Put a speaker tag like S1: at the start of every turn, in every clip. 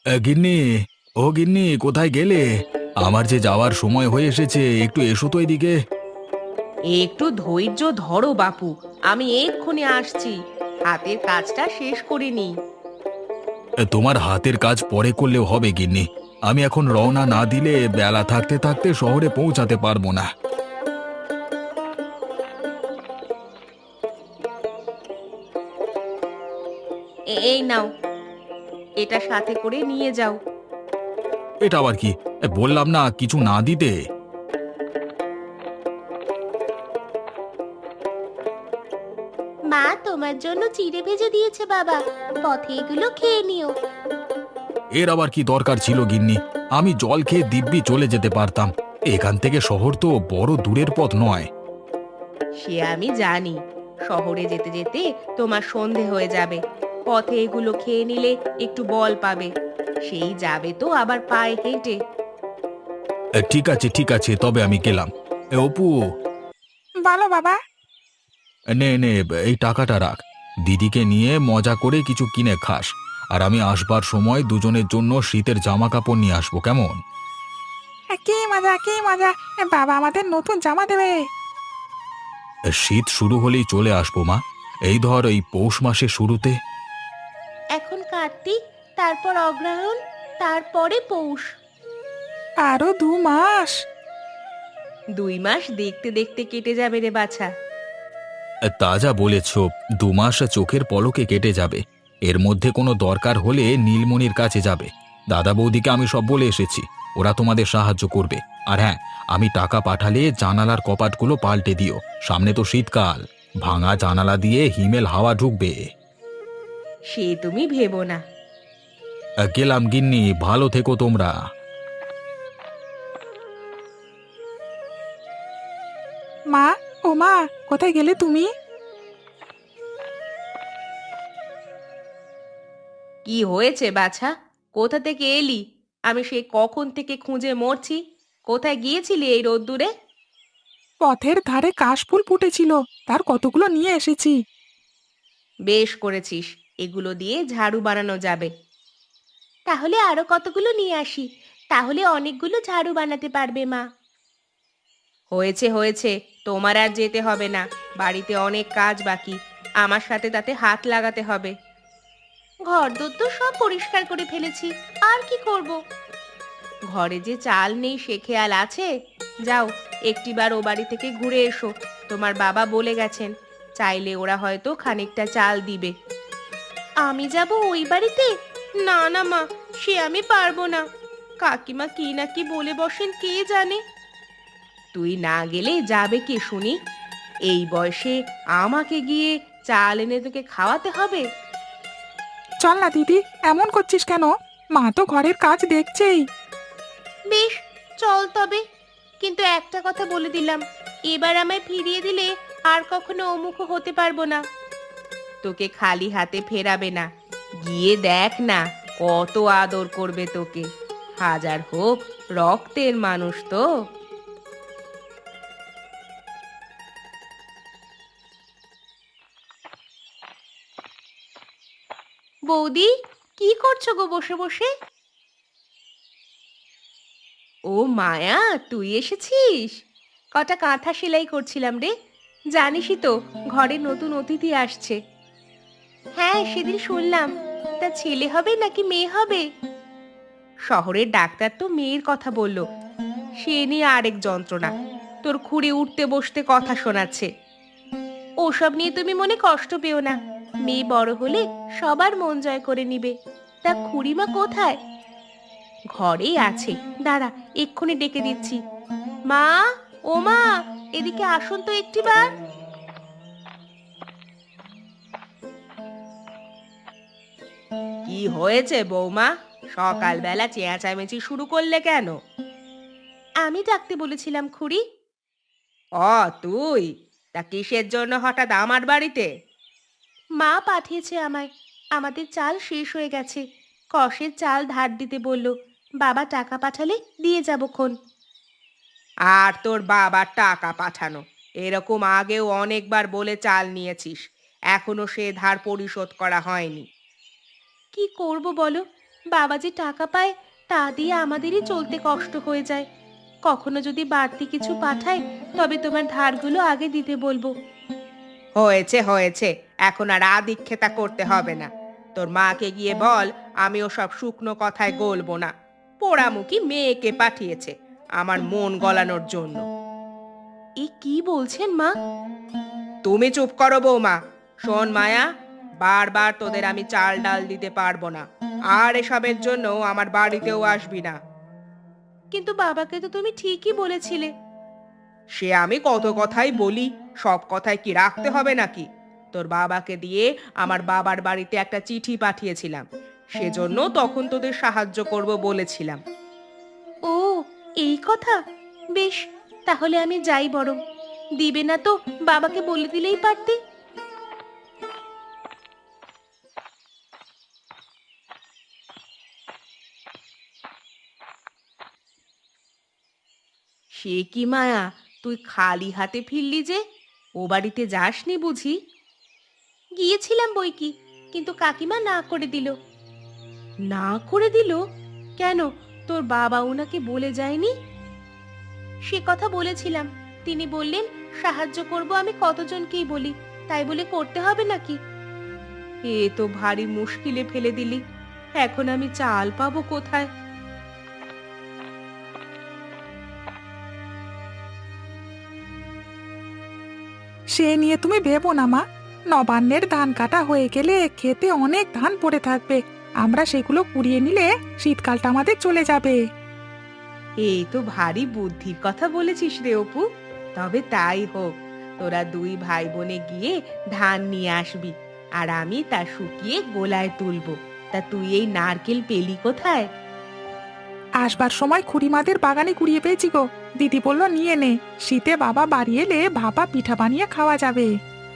S1: গিন্নি, ও গিন্নি, কোথায় গেলে? আমার যে যাওয়ার সময় হয়ে এসেছে, একটু এসো তো এদিকে।
S2: একটু ধৈর্য ধরো বাপু, আমি এক্ষুনি আসছি। হাতের কাজটা শেষ করে নি।
S1: তোমার হাতের কাজ পরে করলেও হবে গিন্নি। আমি এখন রওনা না দিলে বেলা থাকতে থাকতে শহরে পৌঁছাতে পারবো না।
S2: এই নাও, এটা সাথে করে নিয়ে যাও।
S1: এটা আবার কি? বললাম না কিছু না দিতে।
S2: মা তোমার জন্য চিড়ে ভেজে দিয়েছে বাবা, পথে এগুলো খেয়ে নিও।
S1: এর আবার কি দরকার ছিল গিন্নি? আমি জল খেয়ে দিব্যি চলে যেতে পারতাম। এখান থেকে শহর তো বড় দূরের পথ নয়।
S2: সে আমি জানি, শহরে যেতে যেতে তোমার সন্ধে হয়ে যাবে। পথে এগুলো খেয়ে নিলে একটু বল পাবে। সেই যাবে তো আবার পায়ে হেঁটে।
S1: ঠিক আছে ঠিক আছে, তবে আমি গেলাম। অপু,
S3: বলো বাবা।
S1: নে নে, এই টাকাটা রাখ। দিদিকে নিয়ে মজা করে কিছু কিনে খাস। আর আমি আসবার সময় দুজনের জন্য শীতের জামা কাপড় নিয়ে আসবো, কেমন?
S3: কি মজা কি মজা! বাবা আমাদের নতুন জামা দেবে।
S1: শীত শুরু হলেই চলে আসবো মা। এই ধর এই পৌষ মাসের শুরুতে।
S2: এখন কার্তিক, তারপর অগ্রহায়ণ, তারপরে পৌষ।
S3: আরো 2 মাস।
S2: 2 মাস দেখতে দেখতে কেটে যাবে রে বাছা।
S1: তা যা বলেছ, 2 মাস চোখের পলকে কেটে যাবে। এর মধ্যে কোনো দরকার হলে নীলমণির কাছে যাবে। দাদা বৌদিকে আমি সব বলে এসেছি, ওরা তোমাদের সাহায্য করবে। আর হ্যাঁ, আমি টাকা পাঠালে জানালার কপাটগুলো পাল্টে দিও। সামনে তো শীতকাল, ভাঙা জানালা দিয়ে হিমেল হাওয়া ঢুকবে।
S2: সে তুমি ভেবো না।
S1: গেলাম গিন্নি, ভালো থেকো তোমরা।
S3: মা, ও মা, কোথায় গেলে তুমি?
S2: কি হয়েছে বাছা? কোথা থেকে এলি? আমি সেই কখন থেকে খুঁজে মরছি। কোথায় গিয়েছিলি এই রোদ্দুরে?
S3: পথের ধারে কাশফুল ফুটেছিল, তার কতগুলো নিয়ে এসেছি।
S2: বেশ করেছিস, এগুলো দিয়ে ঝাড়ু বানানো যাবে। তাহলে আরো কতগুলো নিয়ে আসি, তাহলে অনেকগুলো ঝাড়ু বানাতে পারবে মা। হয়েছে হয়েছে, তোমার আর যেতে হবে না। বাড়িতে অনেক কাজ বাকি, আমার সাথে তাতে হাত লাগাতে হবে। ঘরদোর তো সব পরিষ্কার করে ফেলেছি, আর কি করব? ঘরে যে চাল নেই সে খেয়াল আছে? যাও, একটিবার ও বাড়ি থেকে ঘুরে এসো। তোমার বাবা বলে গেছেন, চাইলে ওরা হয়তো খানিকটা চাল দিবে। আমি যাব ওই বাড়িতে? না না মা, সে আমি পারবো না। কাকিমা কি না কি বলে বসেন কে জানে। তুই না গেলে যাবে কে শুনি? এই বয়সে আমাকে গিয়ে চাল এনে তোকে খাওয়াতে হবে?
S3: চল না দিদি, এমন করছিস কেন? মা তো ঘরের কাজ দেখছেই।
S2: বেশ, চল তবে। কিন্তু একটা কথা বলে দিলাম, এবার আমায় ফিরিয়ে দিলে আর কখনো অমুখ হতে পারবো না। তোকে খালি হাতে ফেরাবে না। গিয়ে দেখ না, কত আদর করবে তোকে। হাজার হোক, রক্তের মানুষ তো। বৌদি, কি করছো গো বসে বসে? ও মায়া, তুই এসেছিস? কটা কাঁথা সেলাই করছিলাম রে। জানিসই তো, ঘরে নতুন অতিথি আসছে। হ্যাঁ, সেদিন শুনলাম। তা ছেলে হবে নাকি মেয়ে হবে? শহরের ডাক্তার তো মেয়ের কথা বলল। সে নিয়ে আরেক যন্ত্রণা। তোর খুঁড়ে উঠতে বসতে কথা শোনাচ্ছে। ওসব নিয়ে তুমি মনে কষ্ট পেও না। মেয়ে বড় হলে সবার মন জয় করে নিবে। তা খুড়িমা কোথায়? ঘরেই আছে, দাঁড়া, এক্ষুনি ডেকে দিচ্ছি। মা, ও মা, এদিকে আসুন তো একটিবার। কি হয়েছে বৌমা? সকালবেলা চেঁচামেচি শুরু করলে কেন? আমি ডাকতে বলেছিলাম খুড়ি। ও, তুই? তা কিসের জন্য হঠাৎ আমার বাড়িতে? মা পাঠিয়েছে আমায়। আমাদের চাল শেষ হয়ে গেছে। কষের চাল ধার দিতে বলল। বাবা টাকা পাঠালে দিয়ে যাবক্ষণ। আর তোর বাবার টাকা পাঠানো, এরকম আগেও অনেকবার বলে চাল নিয়েছিস। এখনো সে ধার পরিশোধ করা হয়নি। কি করব বলো? বাবা যে টাকা পায় তা দিয়ে আমাদেরই চলতে কষ্ট হয়ে যায়। কখনো যদি বাড়তি কিছু পাঠায় তবে তোমার ধারগুলো আগে দিতে বলবো। হয়েছে হয়েছে, এখন আর আদিক্ষেতা করতে হবে না। তোর মাকে গিয়ে বল আমি ওসব শুকনো কথায় গলবো না। পোড়ামুখী মেয়েকে পাঠিয়েছে আমার মন গলানোর জন্য। এ কি বলছেন মা? তুমি চুপ করো বৌমা। শোন মায়া, বারবার তোদের আমি চাল ডাল দিতে পারবো না, আর এসবের জন্য আমার বাড়িতেও আসবি না। কিন্তু বাবাকে তো তুমি ঠিকই বলেছিলে। সে আমি কত কথাই বলি, সব কথাই কি রাখতে হবে নাকি? তোর বাবাকে দিয়ে আমার বাবার বাড়িতে একটা চিঠি পাঠিয়েছিলাম, সেজন্য তখন তোদের সাহায্য করব বলেছিলাম। ও, এই কথা। বেশ, তাহলে আমি যাই বরং। দিবে না তো বাবাকে বলে দিলেই পারতে। সে কি মায়া, তুই খালি হাতে ফিরলি যে? ও বাড়িতে যাসনি বুঝি? গিয়েছিলাম বই কি, কিন্তু কাকিমা না করে দিল। না করে দিল? কেন, তোর বাবা ওনাকে বলে যায়নি? সে কথা বলেছিলাম, তিনি বললেন সাহায্য করব আমি কতজনকেই বলি, তাই বলে করতে হবে নাকি? এ তো ভারী মুশকিলে ফেলে দিলি। এখন আমি চাল পাবো কোথায়?
S3: সে নিয়ে তুমি ভেবো না মা। নবান্নের ধান কাটা হয়ে গেলে খেতে অনেক ধান পড়ে থাকবে। আমরা সেগুলো কুড়িয়ে নিলে শীতকালটা আমাদের চলে যাবে।
S2: এই তো ভারী বুদ্ধির কথা বলেছিস রে অপু। তবে তাই হোক, তোরা দুই ভাই বোনে গিয়ে ধান নিয়ে আসবি, আর আমি তা শুকিয়ে গোলায় তুলবো। তা তুই এই নারকেল পেলি কোথায়?
S3: আসবার সময় খুড়িমাদের বাগানে কুড়িয়ে পেয়েছি গো। দিদি বলল নিয়ে নে, শীতে বাবা বাড়ি এলে ভাপা পিঠা বানিয়ে খাওয়া যাবে।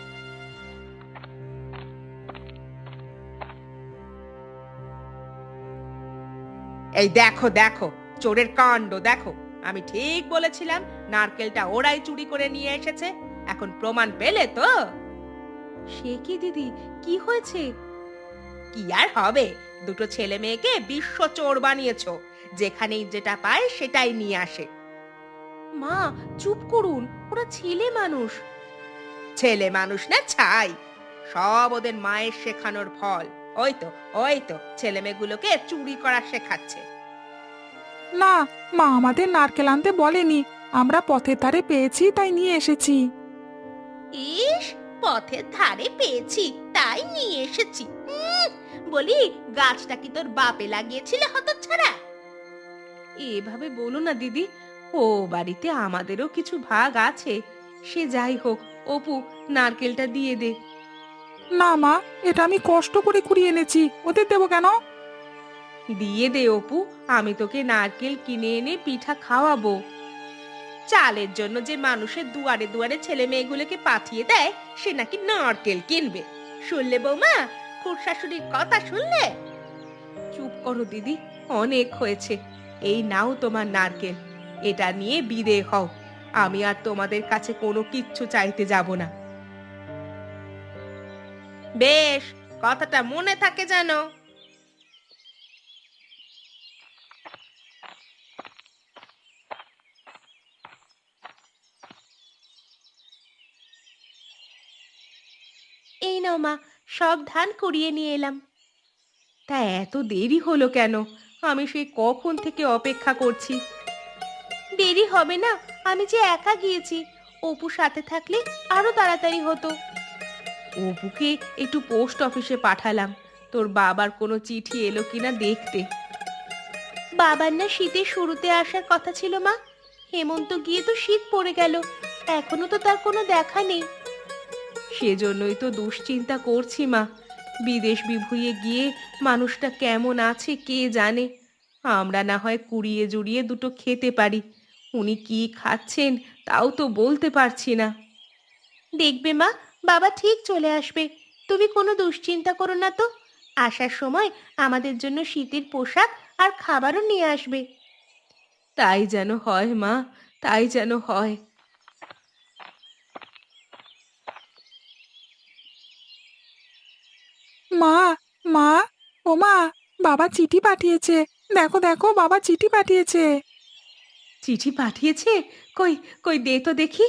S2: এই দেখো দেখো, চোরের কাণ্ড দেখো। আমি ঠিক বলেছিলাম নারকেলটা ওরাই চুরি করে নিয়ে এসেছে। এখন প্রমাণ পেলে তো? সে কি দিদি, কি হয়েছে? কি আর হবে, দুটো ছেলে মেয়েকে বিশ্ব চোর বানিয়েছো। যেখানেই যেটা পায় সেটাই নিয়ে আসে। মা, চুপ করুন, ওরা ছেলে মানুষ। ছেলে মানুষ না ছাই, সব ওদের মায়ের শেখানোর ফল। ওই তো, ওই তো ছেলে মেয়েগুলোকে চুরি করা শেখাচ্ছে।
S3: না, মা আমাদের নারকেল আনতে বলেনি। আমরা পথের ধারে পেয়েছি তাই নিয়ে এসেছি।
S2: ইস, পথের ধারে পেয়েছি তাই নিয়ে এসেছি। বলি, গাছটা কি তোর বাপে লাগিয়েছিল হতচ্ছাড়া? এভাবে বলো না দিদি, ও বাড়িতে আমাদেরও কিছু ভাগ আছে। সে যাই হোক, অপু, নারকেলটা দিয়ে দে।
S3: না মা, এটা আমি কষ্ট করে কুড়িয়ে এনেছি, ওদের দেবো কেন?
S2: দিয়ে দে অপু, আমি তোকে নারকেল কিনে এনে পিঠা খাওয়াবো। চালের জন্য যে মানুষের দুয়ারে দুয়ারে ছেলে মেয়েগুলোকে পাঠিয়ে দেয়, সে নাকি নারকেল কিনবে। শুনলে বৌমা, খুড়শাশুড়ির কথা শুনলে? চুপ করো দিদি, অনেক হয়েছে। এই নাও তোমার নারকেল, এটা নিয়ে বিদেয় হও। আমি আর তোমাদের কাছে কোনো কিচ্ছু চাইতে যাব না। বেশ, কথাটা মনে থাকে যেন। এই নাও মা, সব ধান কুড়িয়ে নিয়ে এলাম। তা এত দেরি হলো কেন? আমি সেই কখন থেকে অপেক্ষা করছি। দেরি হবে না, আমি যে একা গিয়েছি। অপু সাথে থাকলে আরো তাড়াতাড়ি হতো। অপুকে একটু পোস্ট অফিসে পাঠালাম, তোর বাবার কোনো চিঠি এলো কিনা দেখতে। বাবার না শীতের শুরুতে আসার কথা ছিল মা। হেমন্ত গিয়ে তো শীত পড়ে গেল, এখনো তো তার কোনো দেখা নেই। সেজন্যই তো দুশ্চিন্তা করছি মা। বিদেশ বিভুঁইয়ে গিয়ে মানুষটা কেমন আছে কে জানে। আমরা না হয় কুড়িয়ে জুড়িয়ে দুটো খেতে পারি, উনি কি খাচ্ছেন তাও তো বলতে পারছি না। দেখবে মা, বাবা ঠিক চলে আসবে। তুমি কোনো দুশ্চিন্তা করো না তো। আসার সময় আমাদের জন্য শীতের পোশাক আর খাবারও নিয়ে আসবে। তাই যেন হয় মা, তাই যেন হয়।
S3: মা, মা, ও মা, বাবা চিঠি পাঠিয়েছে। দেখো দেখো, বাবা চিঠি পাঠিয়েছে।
S2: চিঠি পাঠিয়েছে? কই কই দে তো দেখি।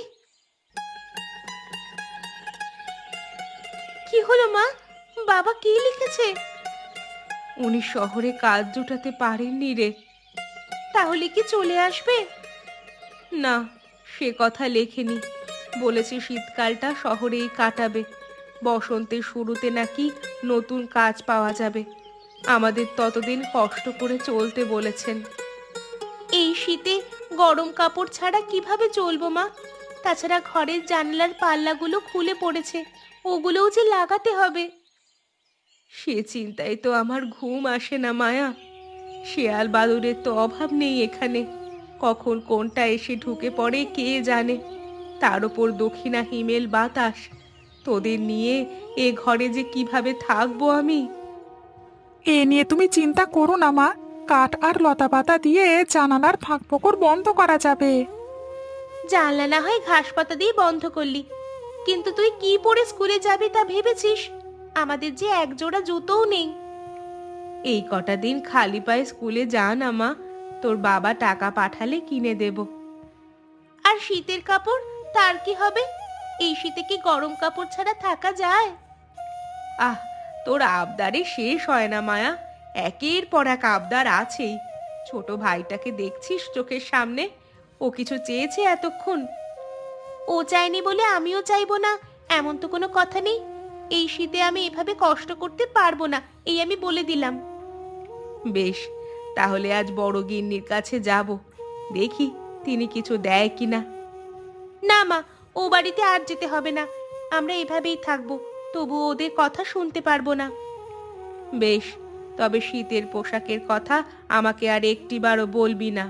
S2: কি হলো মা? বাবা কি লিখেছে? উনি শহরে কাজ জোটাতে পারেননি রে। তাহলে কি চলে আসবে? না, সে কথা লেখেনি। বলেছে শীতকালটা শহরেই কাটাবে। বসন্তের শুরুতে নাকি নতুন কাজ পাওয়া যাবে। আমাদের ততদিন কষ্ট করে চলতে বলেছেন। এই শীতে গরম কাপড় ছাড়া কিভাবে চলবো মা? তাছাড়া ঘরের জানলার পাল্লাগুলো খুলে পড়েছে, ওগুলোও যে লাগাতে হবে। সে চিন্তায় তো আমার ঘুম আসে না মায়া। শেয়াল বাদুড়ের তো অভাব নেই এখানে। কখন কোনটা এসে ঢুকে পড়ে কে জানে। তার ওপর দক্ষিণা হিমেল বাতাস। তোদের নিয়ে এ ঘরে যে কিভাবে থাকবো আমি।
S3: এ নিয়ে তুমি চিন্তা করো না মা। কাঠ আর লতাপাতা দিয়ে জানালার ফাঁক ফোকর বন্ধ করা যাবে।
S2: জানলা না হয় ঘাস পাতা দিয়ে বন্ধ করলি, কিন্তু তুই কি পরে স্কুলে যাবি তা ভেবেছিস? আমাদের যে এক জোড়া জুতোও নেই। এই কটা দিন খালি পায়ে স্কুলে যা না মা, তোর বাবা টাকা পাঠালে কিনে দেব। আর শীতের কাপড়, তার কি হবে? এই শীতে কি গরম কাপড় ছাড়া থাকা যায়? আহ, তোর আবদারে শেষ হয় না মায়া। একের পর এক আবদার আছেই। ছোট ভাইটাকে দেখছিস চোখের সামনে? ও কিছু চেয়েছে এতক্ষণ? ও চায়নি বলে আমিও চাইবো না, এমন তো কোনো কথা নেই। এই শীতে আমি এভাবে কষ্ট করতে পারবো না, এই আমি বলে দিলাম। বেশ, তাহলে আজ বড় গিন্নির কাছে যাব। দেখি তিনি কিছু দেয় কিনা। না মা, ও বাড়িতে আর যেতে হবে না। আমরা এভাবেই থাকবো, তবু ওদের কথা শুনতে পারবো না। বেশ, তবে শীতের পোশাকের কথা আমাকে আর একটিবারও বলবি না।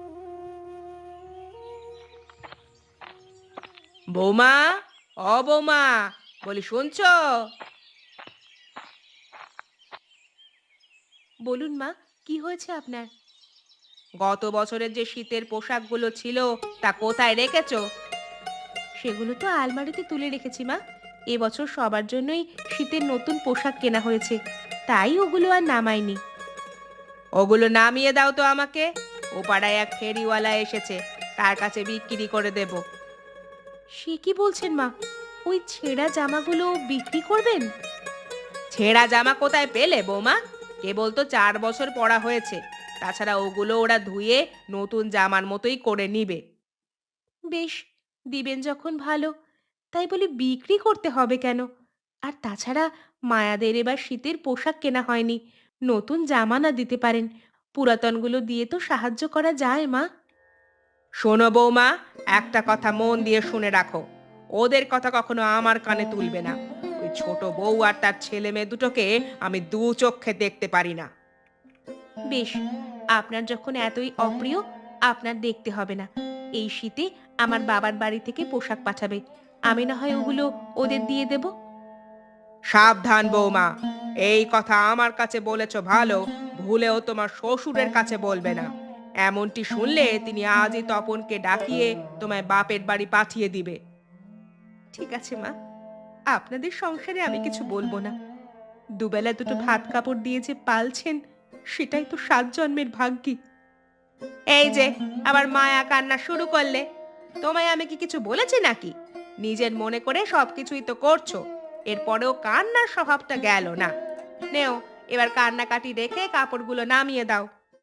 S2: বৌমা, ও বৌমা, বলি শুনছো? বলুন মা, কি হয়েছে আপনার? গত বছরের যে শীতের পোশাকগুলো ছিল তা কোথায় রেখেছো? সেগুলো তো আলমারিতে তুলে রেখেছি মা। এবছর সবার জন্যই শীতের নতুন পোশাক কেনা হয়েছে, তাই ওগুলো আর নামাইনি। ওগুলো নামিয়ে দাও তো আমাকে। ও পাড়ায় এক ফেরিওয়ালা এসেছে, তার কাছে বিক্রি করে দেব। সে কি বলছেন মা? ওই ছেঁড়া জামাগুলো বিক্রি করবেন? ছেঁড়া জামা কোথায় পেলে বৌমা? কেবল তো 4 বছর পরা হয়েছে। তাছাড়া ওগুলো ওরা ধুয়ে নতুন জামার মতোই করে নিবে। বেশ, দিবেন যখন ভালো। তাই বলে বিক্রি করতে হবে কেন? আর তাছাড়া মায়াদের এবার শীতের পোশাক কেনা হয়নি। নতুন জামা না দিতে পারেন, পুরাতনগুলো দিয়ে তো সাহায্য করা যায় মা। শোনো বৌমা, একটা কথা মন দিয়ে শুনে রাখো। ওদের কথা কখনো আমার কানে তুলবে না। ওই ছোট বউ আর তার ছেলে মেয়ে দুটোকে আমি দু চোখে দেখতে পারি না। বেশ, আপনার যখন এতই অপ্রিয়, আপনার দেখতে হবে না। এই শীতে আমার বাবার বাড়ি থেকে পোশাক পাঠাবে, আমি না হয় ওগুলো ওদের দিয়ে দেব। সাবধান বৌমা, এই কথা আমার কাছে বলেছ ভালো, ভুলেও তোমার শ্বশুরের কাছে বলবে না। এমনটি শুনলে তিনি আজই তপনকে ডাকিয়ে তোমায় বাপের বাড়ি পাঠিয়ে দিবে। ঠিক আছে মা, আপনাদের সংসারে আমি কিছু বলবো না। দুবেলা দুটো ভাত কাপড় দিয়ে যে পালছেন, সেটাই তো 7 জন্মের ভাগ্যি। এই যে আবার মায়া কান্না শুরু করলে। তোমায় আমি কি কিছু বলেছি নাকি? নিজের মনে করে সবকিছুই তো করছো, এরপরেও কান্নার স্বভাবটা গেল না। নেও, এবার কান্নাকাটি রেখে কাপড়গুলো নামিয়ে দাও।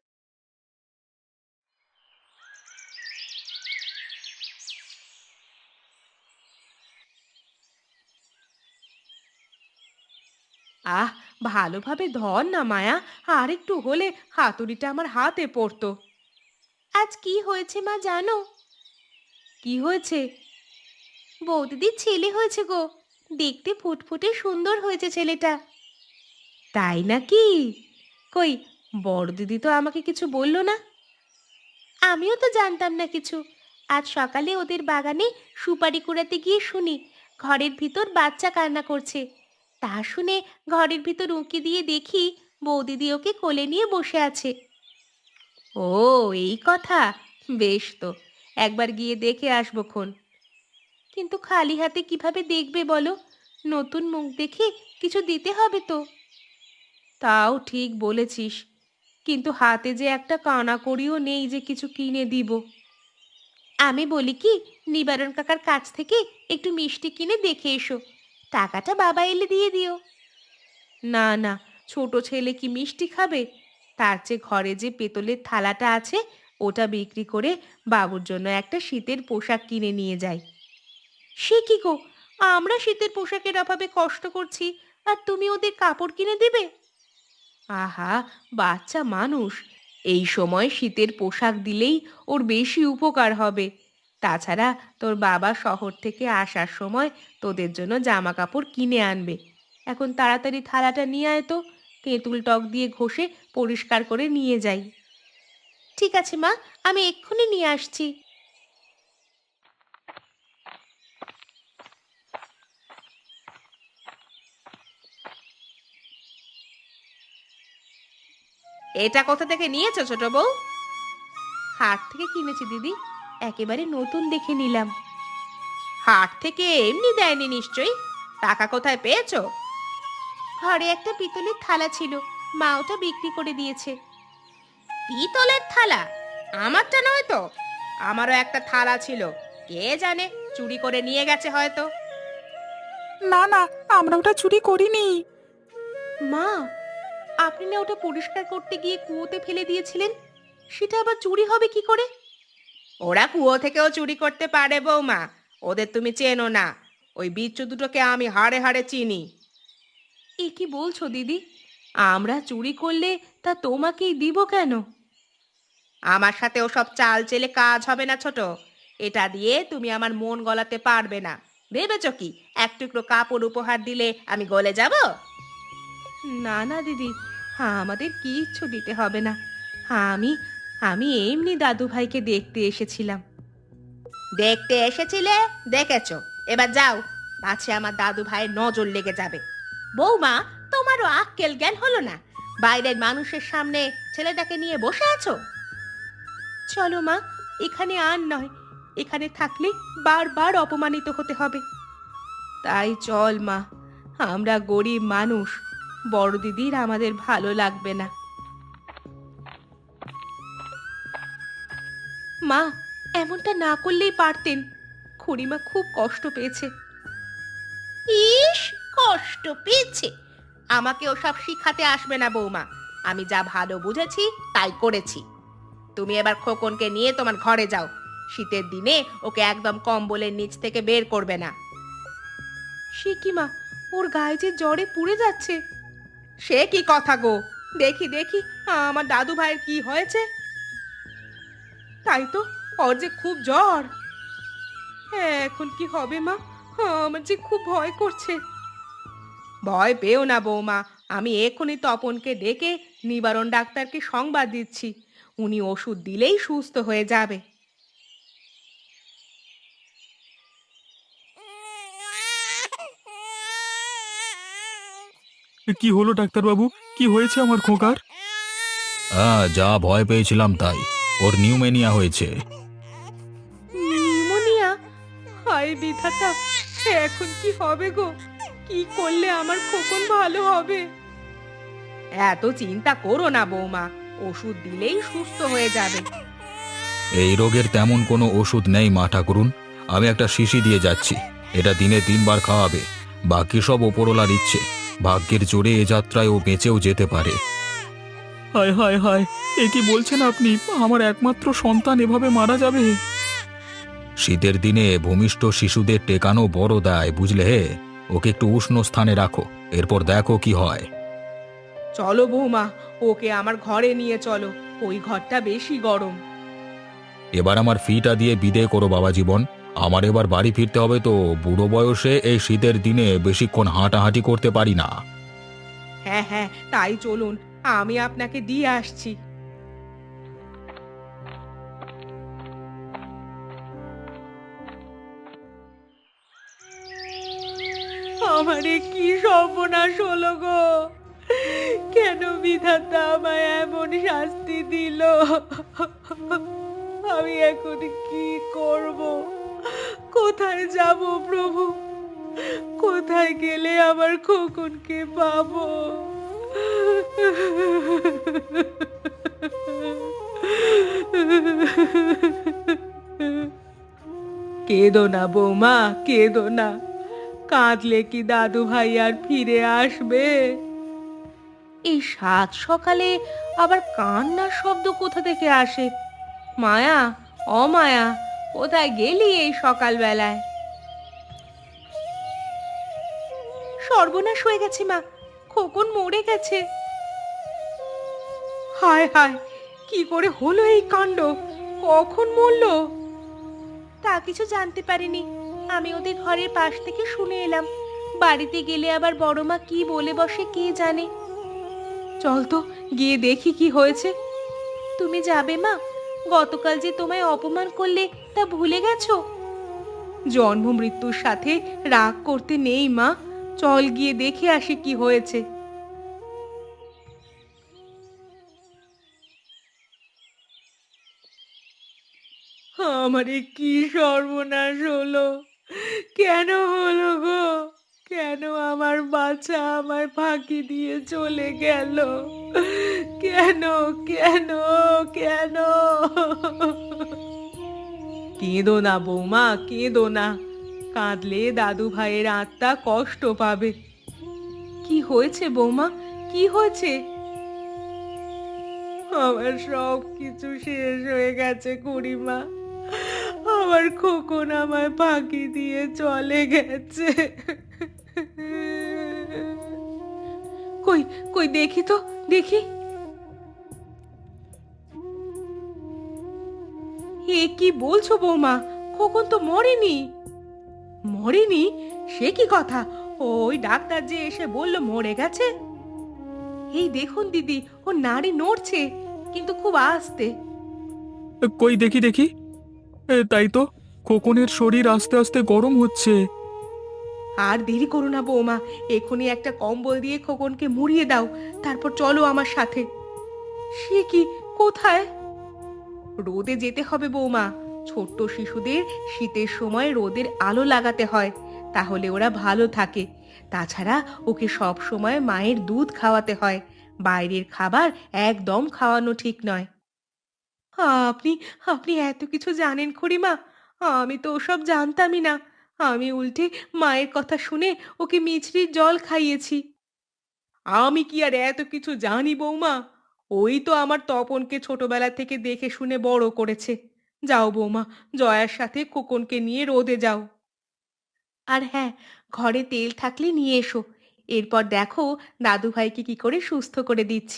S2: আহ, ভালোভাবে ধর না মায়া। আর একটু হলে হাতুড়িটা আমার হাতে পড়তো। আজ কি হয়েছে মা জানো? কি হয়েছে? বৌদিদির ছেলে হয়েছে গো। দেখতে ফুটফুটে সুন্দর হয়েছে ছেলেটা। তাই নাকি? কই, বড় দিদি তো আমাকে কিছু বললো না। আমিও তো জানতাম না কিছু। আজ সকালে ওদের বাগানে সুপারি কুড়াতে গিয়ে শুনি ঘরের ভিতর বাচ্চা কান্না করছে। তা শুনে ঘরের ভিতর উঁকি দিয়ে দেখি বৌদিদি ওকে কোলে নিয়ে বসে আছে। ও, এই কথা। বেশ তো, একবার গিয়ে দেখে আসবো খন। কিন্তু খালি হাতে কিভাবে দেখবে বলো? নতুন মুখ দেখে কিছু দিতে হবে তো। তাও ঠিক বলেছিস, কিন্তু হাতে যে একটা কানাকড়িও নেই যে কিছু কিনে দিব। আমি বলি কি, নিবারণ কাকার কাছ থেকে একটু মিষ্টি কিনে দেখে এসো, টাকাটা বাবা এলে দিয়ে দিও। না না, ছোট ছেলে কি মিষ্টি খাবে? তার চেয়ে ঘরে যে পেতলের থালাটা আছে ওটা বিক্রি করে বাবুর জন্য একটা শীতের পোশাক কিনে নিয়ে যাই। সে কি গো, আমরা শীতের পোশাকের অভাবে কষ্ট করছি আর তুমি ওদের কাপড় কিনে দেবে? আহা, বাচ্চা মানুষ, এই সময় শীতের পোশাক দিলেই ওর বেশি উপকার হবে। তাছাড়া তোর বাবা শহর থেকে আসার সময় তোদের জন্য জামা কাপড় কিনে আনবে। এখন তাড়াতাড়ি থালাটা নিয়ে আয় তো, তেঁতুল টক দিয়ে ঘষে পরিষ্কার করে নিয়ে যাই। ঠিক আছে মা, আমি এক্ষুনি নিয়ে আসছি। এটা কোথা থেকে নিয়েছো ছোট বউ? হাট থেকে কিনেছি দিদি, একেবারে নতুন দেখে নিলাম। হাট থেকে এমনি দেয়নি নিশ্চয়ই, টাকা কোথায় পেয়েছো? ঘরে একটা পিতলের থালা ছিল, মা ওটা বিক্রি করে দিয়েছে। পিতলের থালা? আমারটা নয় তো? আমারও একটা থালা ছিল, কে জানে চুরি করে নিয়ে গেছে হয়তো।
S3: না না, আমরা ওটা চুরি করিনি।
S2: মা, আপনি না ওটা পরিষ্কার করতে গিয়ে কুয়োতে ফেলে দিয়েছিলেন, সেটা আবার চুরি হবে কি করে? ওরা কুয়ো থেকেও চুরি করতে পারে বৌমা, ওদের তুমি চেনো না। ওই বিচ্ছু দুটোকে আমি হাড়ে হাড়ে চিনি। এ কি বলছো দিদি? আমরা চুরি করলে তা তোমাকেই দিব কেন? আমার সাথে ওসব চাল চেলে কাজ হবে না ছোট। এটা দিয়ে তুমি আমার মন গলাতে পারবে না। ভেবেছ কি এক টুকরো কাপড় উপহার দিলে আমি গলে যাব? না না দিদি, আমাদের কিচ্ছু দিতে হবে না। আমি আমি এমনি দাদু ভাইকে দেখতে এসেছিলাম। দেখতে এসেছিলে, দেখেছো, এবার যাও, পাছে আমার দাদু ভাইয়ের নজর লেগে যাবে। বৌমা, তোমারও আক্কেল জ্ঞান হলো না? বাইরের মানুষের সামনে ছেলেটাকে নিয়ে বসে আছো। চলো মা, এখানে আর নয়, এখানে থাকলে বারবার অপমানিত হতে হবে। তাই চল মা, আমরা গরিব মানুষ, বড় দিদির আমাদের ভালো লাগবে না। মা, এমনটা না করলেই পারতেন, খুড়িমা খুব কষ্ট পেয়েছে। ইস, কষ্ট পেয়েছে? আমাকে ওসব শিখাতে আসবে না বৌমা, আমি যা ভালো বুঝেছি তাই করেছি। তুমি এবার খোকনকে নিয়ে তোমার ঘরে যাও, শীতের দিনে ওকে একদম কম্বলের নিচ থেকে বের করবে না। সে কি মা, ওর গায়ে যে জ্বরে পুড়ে যাচ্ছে। সে কি কথা গো, দেখি দেখি আমার দাদু ভাইয়ের কি হয়েছে। তাই তো, ওর যে খুব জ্বর। হ্যাঁ, এখন কি হবে মা? আমার যে খুব ভয় করছে। ভয় পেও না বৌমা, আমি এখনই তপনকে ডেকে নিবারণ ডাক্তারকে সংবাদ দিচ্ছি, উনি ওষুধ দিলেই সুস্থ হয়ে যাবে।
S4: কি হলো ডাক্তারবাবু? কি হয়েছে আমার খোকার?
S1: যা ভয় পেয়েছিলাম তাই, ওর নিউমেনিয়া হয়েছে।
S2: নিউমোনিয়া? হায় বিধাতা, এখন কি হবে গো? কি করলে আমার খোকন ভালো হবে? এত চিন্তা করো না বৌমা, ওষুধ দিলেই সুস্থ হয়ে যাবে।
S1: এই রোগের তেমন কোনো ওষুধ নেই মা ঠাকুরুন। আমি একটা শিশি দিয়ে যাচ্ছি, এটা দিনে 3 বার খাওয়াবে। বাকি সব ওপরওয়ালার ইচ্ছে, ভাগ্যের জোরে এ যাত্রায় ও বেঁচেও যেতে পারে।
S4: হায় হায় হায়, এ কি বলছেন আপনি? আমার একমাত্র সন্তান এভাবে মারা যাবে?
S1: শীতের দিনে ভূমিষ্ঠ শিশুদের টেকানো বড় দায়, বুঝলে হে। ওকে একটু উষ্ণ স্থানে রাখো, এরপর দেখো কি হয়।
S2: চলো বৌমা, ওকে আমার ঘরে নিয়ে চলো, ওই ঘরটা বেশি গরম।
S1: এবার আমার ফিটা দিয়ে বিদেয় করো বাবা জীবন। আমার এবার বাড়ি ফিরতে হবে তো, বুড়ো বয়সে এই শীতের দিনে বেশিক্ষণ হাঁটাহাঁটি করতে পারি না।
S2: হ্যাঁ হ্যাঁ, তাই চলুন, আমি আপনাকে দিয়ে আসছি। আমারে কি সর্বনাশ হলো গো, কেন বিধাতা আমায় এমন শাস্তি দিল? আমি এখন কি করব? কোথায় যাব প্রভু? কোথায় গেলে আমার খোকনকে পাবো? কেঁদো না বৌমা, কেঁদো না। কাঁদলে কি দাদু ভাই আর ফিরে আসবে? এই সাত সকালে আবার কান্নার শব্দ কোথা থেকে আসে? মায়া, অমায়া, কোথায় গেলি এই সকালবেলায়? সর্বনাশ হয়ে গেছে মা, খোকন মরে গেছে। হায় হায়, কি করে হলো এই কাণ্ড? কখন মরলো? তা কিছু জানতে পারিনি। আমি ওদের ঘরের পাশ থেকে শুনে এলাম। বাড়িতে গেলে আবার বড় মা কি বলে বসে কে জানে। চল তো গিয়ে দেখি কি হয়েছে। তুমি যাবে মা? গতকাল যে তোমায় অপমান করলে তা ভুলে গেছো? জন্ম মৃত্যুর সাথে রাগ করতে নেই মা, চল গিয়ে দেখে আসি কি হয়েছে। আমারে কি সর্বনাশ হলো! কেন হলো গো? কেন আমার বাচ্চা আমায় ফাঁকি দিয়ে চলে গেল? কেন, কেন, কেন? কেঁদো না বৌমা, কেঁদো না। কাঁদলে দাদু ভাইয়ের আত্মা কষ্ট পাবে। কি হয়েছে বৌমা, কি হয়েছে? আমার সব কিছু শেষ হয়ে গেছে খুড়িমা। আমার খোকন আমায় ফাঁকি দিয়ে চলে গেছে। কই, কই দেখি তো, দেখি। এ কি বলছো বৌমা? খোকন তো মরেনি। মরেনি? সে কি কথা? ওই ডাক্তার যে এসে বলল মরে গেছে। এই দেখুন দিদি, ও নাড়ি নড়ছে, কিন্তু খুব আস্তে।
S4: কই দেখি দেখি। তাই তো, খোকনের শরীর আস্তে আস্তে গরম হচ্ছে।
S2: আর দেরি করো না বৌমা, এখনই একটা কম্বল দিয়ে খোকনকে মুড়িয়ে দাও, তারপর চলো আমার সাথে। সে কি, কোথায়? রোদে যেতে হবে বৌমা। ছোট্ট শিশুদের শীতের সময় রোদের আলো লাগাতে হয়, তাহলে ওরা ভালো থাকে। তাছাড়া ওকে সব সময় মায়ের দুধ খাওয়াতে হয়। বাইরের খাবার একদম খাওয়ানো ঠিক নয়। আপনি আপনি এত কিছু জানেন খুড়িমা? আমি তো ওসব জানতামই না। আমি উল্টে মায়ের কথা শুনে ওকে মিছরির জল খাইয়েছি। আমি কি আর এত কিছু জানি বৌমা? ওই তো আমার তপনকে ছোটবেলা থেকে দেখে শুনে বড় করেছে। যাও বৌমা, জয়ার সাথে খোকনকে নিয়ে রোদে যাও। আর হ্যাঁ, ঘরে তেল থাকলে নিয়ে এসো। এরপর দেখো দাদু ভাইকে কি করে সুস্থ করে দিচ্ছি।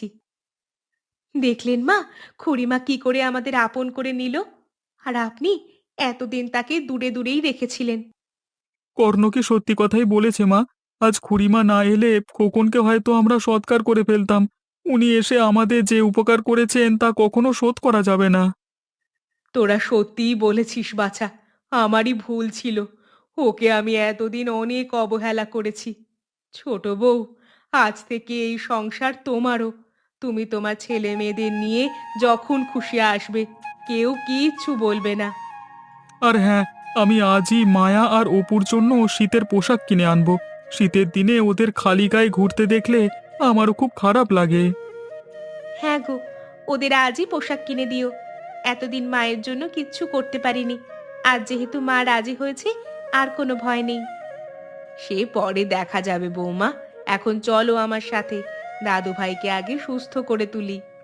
S2: দেখলেন মা, খুড়িমা কি করে আমাদের আপন করে নিল। আর আপনি এতদিন তাকে দূরে দূরেই রেখেছিলেন।
S4: কর্ণ কি সত্যি কথাই বলেছে মা। আজ খুড়িমা না এলে খোকনকে হয়তো আমরা সৎকার করে ফেলতাম। উনি এসে আমাদের যে উপকার করেছেন তা কখনো শোধ করা যাবে না।
S2: তোরা সত্যিই বলেছিস বাছা, আমারই ভুল ছিল। ওকে আমি এতদিন অনেক অবহেলা করেছি। ছোট বউ, আজ থেকে এই সংসার তোমারও। তুমি তোমার ছেলে মেয়েদের নিয়ে যখন খুশি আসবে, কেউ কিচ্ছু বলবে না।
S4: আর হ্যাঁ, আমি আজই মায়া আর অপুর জন্য শীতের পোশাক কিনে আনবো। শীতের দিনে ওদের খালি গায়ে ঘুরতে দেখলে আমারও খুব খারাপ লাগে।
S2: হ্যাঁ গো, ওদের আজই পোশাক কিনে দিও। এতদিন মায়ের জন্য কিচ্ছু করতে পারিনি, আজ যেহেতু মা রাজি হয়েছে, আর কোনো ভয় নেই। সে পরে দেখা যাবে বৌমা। এখন চলো আমার সাথে, দাদু ভাইকে আগে সুস্থ করে তুলি।